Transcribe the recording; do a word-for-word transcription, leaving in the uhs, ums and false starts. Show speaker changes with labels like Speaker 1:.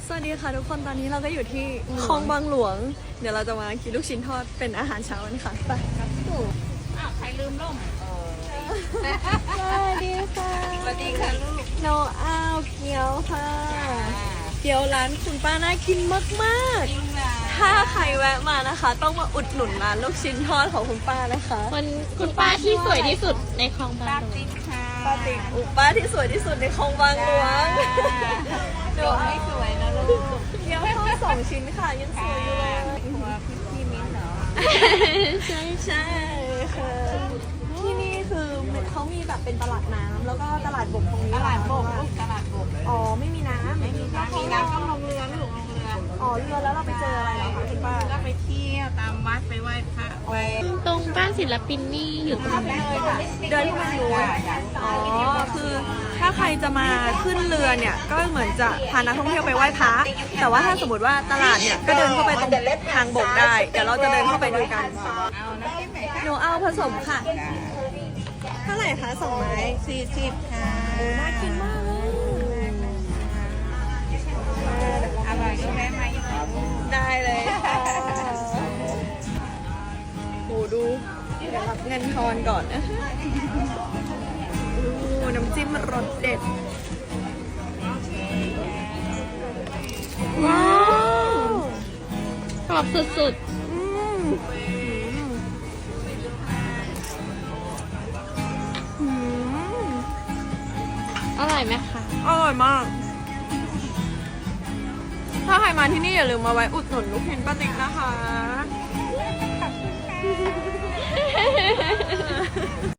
Speaker 1: สวัสดีค่ะทุกคนตอนนี้เราก็อยู่ที่คลองบางหลวงเดี๋ยวเราจะมากินลูกชิ้นทอดเป็นอาหารเช้ากันค่ะไปครับตู่อ้าวใครลืมล่มสวัสดีค่ะสวัสดีค่ะลูกโนอ้าวเกี๊ยวค่ะเกี๊ยวร้านคุณป้าน่ากินมากๆถ้าใครแวะมานะคะ ต้องมาอุดหนุนร้านลูกชิ้นทอดของคุณป้านะคะ
Speaker 2: คนคุณป้าที่สวยที่สุดในคลองบางหลวง
Speaker 1: ป้าติ๊กอุป้าที่สวยที่สุดในคลองบางหลวงเดี๋ยวไม่สวยนะลูกเกี๊ยวทอดสองชิ้นค่ะยังสวยอยู่เลยพี่พี่มิ้นเหรอใช่ใช่ค่ะที่นี่คือเขามีแบบเป็นตลาดน้ำแล้วก็ตลาดบกตรงนี้ตลาดบกตลาดบกอ๋อไม่มีน้ำไม่มีน้ำมีน้ำต้องลงเรือลูกลงเรืออ๋อเรือแล้วเราไปเจออะไรเหรอคะคุณป้าก็ไปเที่ยวตามวัดไปไหว้พระไป
Speaker 2: ตรงบ้านศิลปินนี่อยู่ตรงไหน
Speaker 1: เดินขึ้นมาดูอ๋อคือถ้าใครจะมาขึ้นเรือเนี่ยก็เหมือนจะพานักท่องเที่ยวไปไหว้พระแต่ว่าถ้าสมมติว่าตลาดเนี่ยก็เดินเข้าไปตรงทางบกได้เดี๋ยวเราจะเดินเข้าไปดูกันหนูเอาผสมค่ะเท่าไหร่คะสองไม้สี่สิบค่ะน่ากินมากอร่อยก็แวะมาอีกได้เลยค่ะโอ้ดูเดี๋ยวรับเงินทอนก่อนนะโอ้น้ำจิ้มรสเด็ด
Speaker 2: ว้าวกรอบสุดๆอร่อยไหมคะ
Speaker 1: อร่อยมากถ้าใครมาที่นี่อย่าลืมมาไว้อุดหนุนลูกชิ้นป้าติ๊กนะคะ